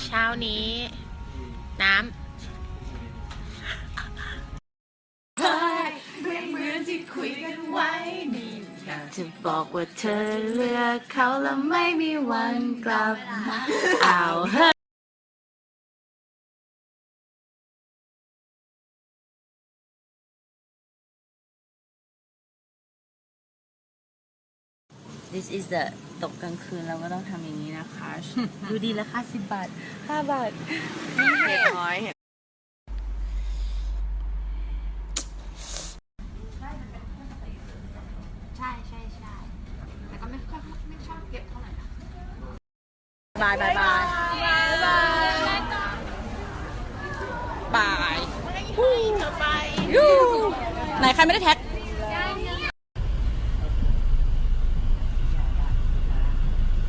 เช้านี้น้ำจะบอกว่าเธอเลือกเขาแล้วไม่มีวันกลับมาเอาเฮ้ This is the ตกกลางคืนเราก็ต้องทำอย่างนี้นะคะ ดูดีแล้วค่ะ10 บาท5 บาทนี่เห็ดน้อยใช่แต่ก็ไม่ชอบเก็บเท่าไหร่นะบายบายบายบายเธอไปไหนใครไม่ได้แท็ก